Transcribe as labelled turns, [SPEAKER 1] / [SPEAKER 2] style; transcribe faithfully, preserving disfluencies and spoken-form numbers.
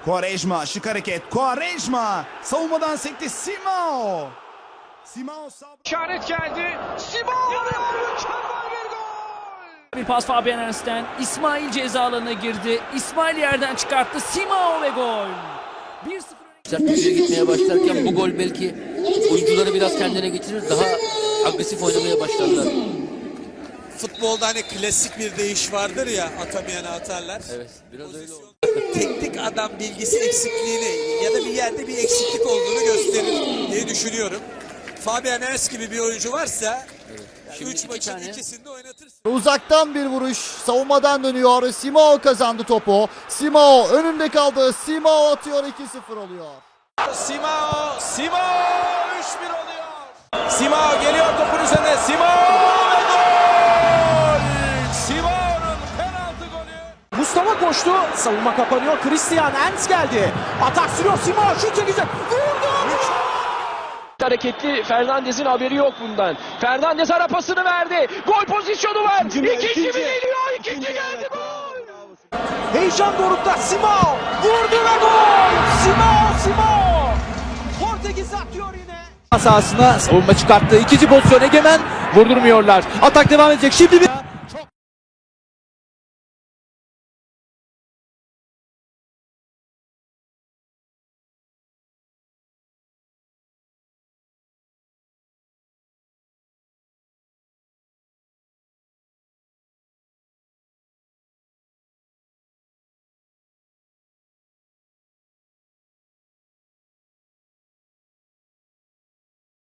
[SPEAKER 1] Quaresma şık hareket. Quaresma savunmadan sekti. Simao. Simao sağ...
[SPEAKER 2] İşaret geldi. Simao mükemmel bir gol.
[SPEAKER 3] Bir pas Fabian Ernst'ten. İsmail ceza alanına girdi. İsmail yerden çıkarttı. Simao ve gol. bir sıfır
[SPEAKER 4] Sertliğe gitmeye başlarken bu gol belki oyuncuları biraz kendine getirir. Daha agresif oynamaya başlarlar.
[SPEAKER 5] Futbolda hani klasik bir deyiş vardır ya, atamayana atarlar.
[SPEAKER 4] Evet, biraz öyle oldu.
[SPEAKER 5] Teknik adam bilgisi eksikliğini ya da bir yerde bir eksiklik olduğunu gösterir diye düşünüyorum. Fabian Ernst gibi bir oyuncu varsa üç maçın
[SPEAKER 4] tane...
[SPEAKER 5] ikisini de oynatırsın.
[SPEAKER 6] Uzaktan bir vuruş. Savunmadan dönüyor. Simao kazandı topu. Simao önünde kaldı. Simao atıyor, iki sıfır oluyor.
[SPEAKER 2] Simao, Simao üç bir oluyor. Simao geliyor topun üzerine. Simao ve gol! Simao'nun penaltı golü. Mustafa koştu. Savunma kapanıyor. Christian Ernst geldi. Atak sürüyor. Simao şut çekecek. Vurdu!
[SPEAKER 7] Hareketli Fernandez'in haberi yok bundan. Fernandez ara pasını verdi. Gol pozisyonu var. İkinci, ikinci, ikinci mi geliyor? İkinci, ikinci geldi gol.
[SPEAKER 2] Heyecan dorukta Simao vurdu ve gol! Simao, Simao! Portekiz atıyor yine.
[SPEAKER 8] Sahasına savunma çıkarttı. İkinci pozisyon Egemen vurdurmuyorlar. Atak devam edecek. Şimdi bir